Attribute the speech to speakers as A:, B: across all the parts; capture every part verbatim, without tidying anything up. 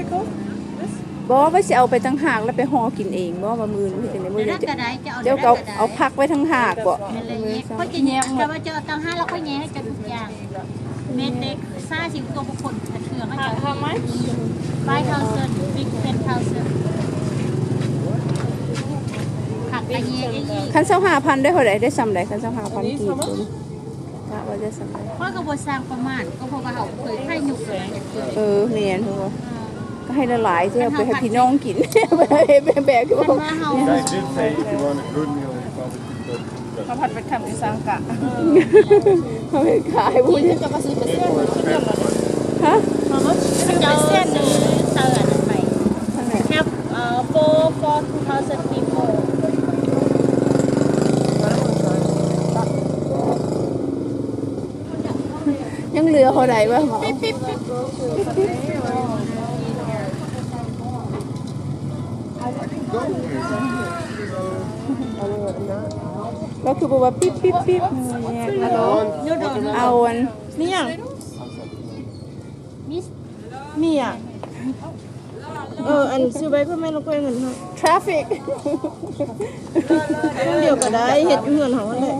A: it called?
B: บ่ว่าสิเอาไปทั้งหากแล้วไปห่อกินเองบ่ว่ามื้อนี้จังได๋มื้อนี้เจ้าก็เอาพักไว้ทั้งหากบ่
C: เขาจะแยกแต่ว่าเจอตั้งห้าแล้วค่อยแยกให้กันทุกอย่างเม็ดเด็กซ่าสิบตัวบุคคลเถื่อนเขาจะ
A: How much?
C: five thousand big ten thousand ผักกระเยียยี่
B: คันยี่สิบห้าพันได้เท่าใดได้ซ้ำใดคันยี่สิบห้าพันกี่ตัวกะว่าจะซ้ำใด
C: เพราะกระบวนสร้างประมาณก็เพราะว่าเขาเคยไข่หยุกเลย
B: เออแม่นเพิ่นว่าก็ให้ละหลายๆสิเอาไปให้พี่น้องกินไปให้แบกๆก็บ่
D: They did say if you want a good meal, you probably could go.
A: ข้าวผัดเป็นคำอีสานกะ
B: เขาไปขายบ่จะ
A: จะมาซื้อไปเส้นขึ้นเรื่องอะไร
B: ฮะ
C: เจ้าเส้นหรือเตือนไป
B: ทางไหน
C: แคปเอ่อ four four two thousand people
B: ยังเหลือเท่าใดวะหมอก็คือบอกว่าปิ๊บปิ๊บปิ๊บแยกฮัลโหลเอาอัน
A: นี่ยัง
C: มิส
A: มีอ่ะเอออันซื้อไปเพื่อแม่เราก็เงินให้
B: traffic
A: ต้องเดียวก็ได้เห็ดอยู่เงินของมันเลย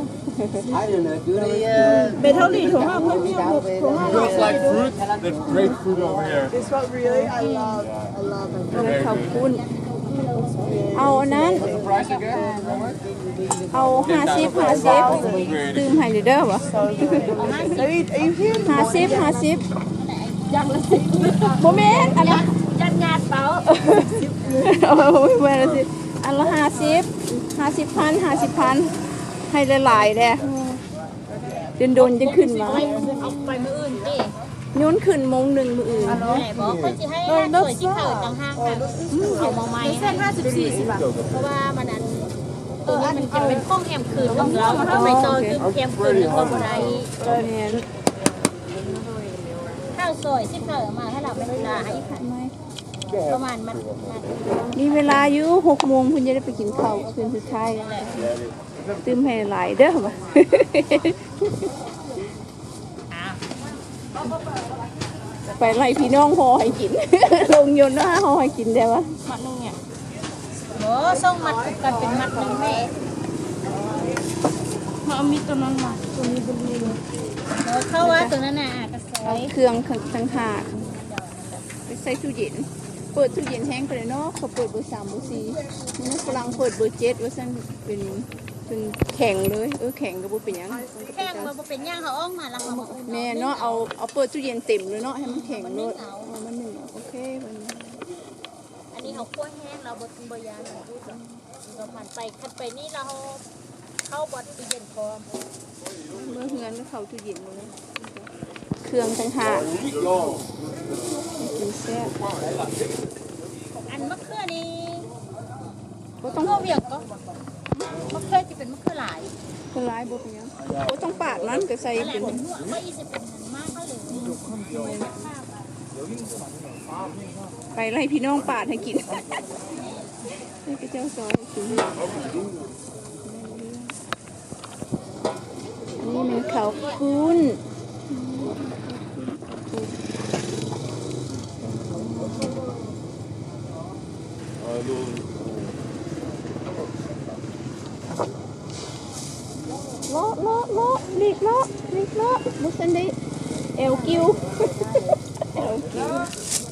A: เบเท่าหลีถุงห้าไม่มีถุงห้า
D: Looks like fruit. There's grapefruit over here.
E: This one really, I love, I love it.
B: ขอบคุณเอาอันนั้น
D: What's the price again?
B: เอาห้าสิบห้าสิบตื่มให้เด้อวะ
E: Are you, are you here?
B: ห้าสิบห้าสิบยังละสิบโมเมนต์อันละ
C: จัดงานเปล่า
B: โอ้ยเมื่อละสิอันละห้าสิบห้าสิบพันห้าสิบพันให้หลายๆเลยเดินโดนจะขึ้นมา
C: เอาไปมืออื่นดิ
B: โยนขึ้นมงหนึ่งมืออื่น
C: ไหนบอกเขาจะให้สวยที่เถิดต่างห้างค่ะเอามาใหม่เส้นห้าสิบสี่สิบบาทเพราะว่ามันนั้นตัวนี้มันจะเป็นข้องแอมคืนของเราทำไมตอนคือแอมคืนก็บ่ได้
B: เนี่ย
C: ข้าวซอยที่เถิดมาให้เราไม่ได้ลาให้ค่ะประมาณมัน
B: มีเวลาอยู่หกโมงคุณจะได้ไปกินข้าวคืนสุดท้ายตื่มให้หลายเด้อวะไปไล่พี่น้องห่อให้กิน ลงยนต์นะห่อให้กินได้วะ
C: มัดนึงเนี่ยโอ้ส่งมัดกันเป็นมัดนึงแม่
A: มามีตัวนั้นมาตัวนี้เป็นนี่
C: เออเข้าว่าตัวนั้นน่ะกระสอย
B: เครื่องทั้งหากไปใส่ตู้เย็นเปิดตู้เย็นแห้งไปเลยเนาะเขาเปิดเบอร์สามเบอร์สี่นี่ฝรั่งเปิดเบอร์เจ็ดว่าสั่นเป็นเป็นแข็งเลยเออแข็งก็บ่เป็นหยัง
C: แข้งมันเป็นย่างเขาอ้องมาแล้วเขาบอก
B: แม่เนาะเอาเอาเปิดตู้เย็นเต็มเลยเนาะให้มันแข็งเลยเอามันหนึ่งโอเคมัน
C: อันนี้เขาคั่วแห้งเราบดบยานพูดแบบเราผ่านไปคัดไปนี่เราเข้าบดตู้เย็นพร้อม
B: เมื่อเฮือนก็เข้าตู้เย็นเลยเครื่องทั้งหากกินแซ่บ
C: อันมะเขือนี่
B: ก็ต้อง
C: ก็เวียงก็มะเขือจะเป็นมะเขือหลาย
B: คนร้ายบ่เป็นหยังก็ต้องปาดนั้นก็ใส่
C: นั่นแหละ
B: เป็น
C: หัวก็ยี่สิบเป็นมากเขาเลย
B: ไปไล่พี่น้องปาดให้กินให้พระเจ้าซอยให้กินนี่มันข้าวปุ้น เลาะเลาะเลาะลีกเลาะลีกเลาะมุสันดิเอลกิวเอลกิว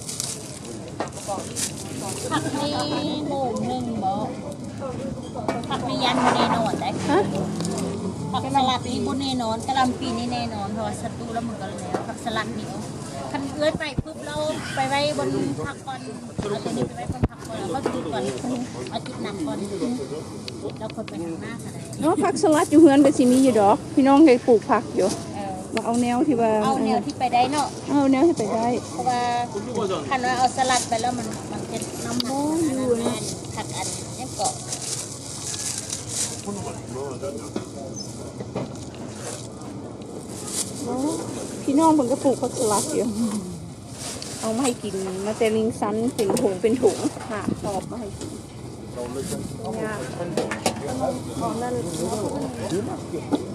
C: ผักนี่โหมหนึ่งบ่ผักนี่ยันแน่นอนได้
B: ฮะ
C: ผักสลัดนี่บนแน่นอนกะหล่ำปีนี่แน่นอนเพราะว่าศัตรูแล้วมันก็แล้วผักสลัดนี่คันเอื้อนไปปุ๊บเราไปไว้บนผักก่อนเอาตัวนี้ไปไว้บนผักก่อนแล้วก็จุดก่อนเอาจุดหนักก่อนแล้วคนไปทางหน้ากันเลย
B: เนาะผักสลัดอยู่เฮือนก็สิมีอยู่ดอก พี่น้องเคยปลูกผักอยู่
C: เออ
B: มาเอาแนวที่ว่า
C: เอาแนวที่ไปได้เนาะ
B: เอาแนวที่ไปได้
C: เพราะว่าคันว่าเอาสลัดไปแล้วมันมันจะน้ำหนักอันนั้นแน่นผักอันนี้เกาะ
B: พี่น้องเพิ่นก็ปลูกผักสลัดอยู่เอามาให้กินมาแต่ลิงซันเป็นถุงเป็นถุงหาตอบมาให้กินยาก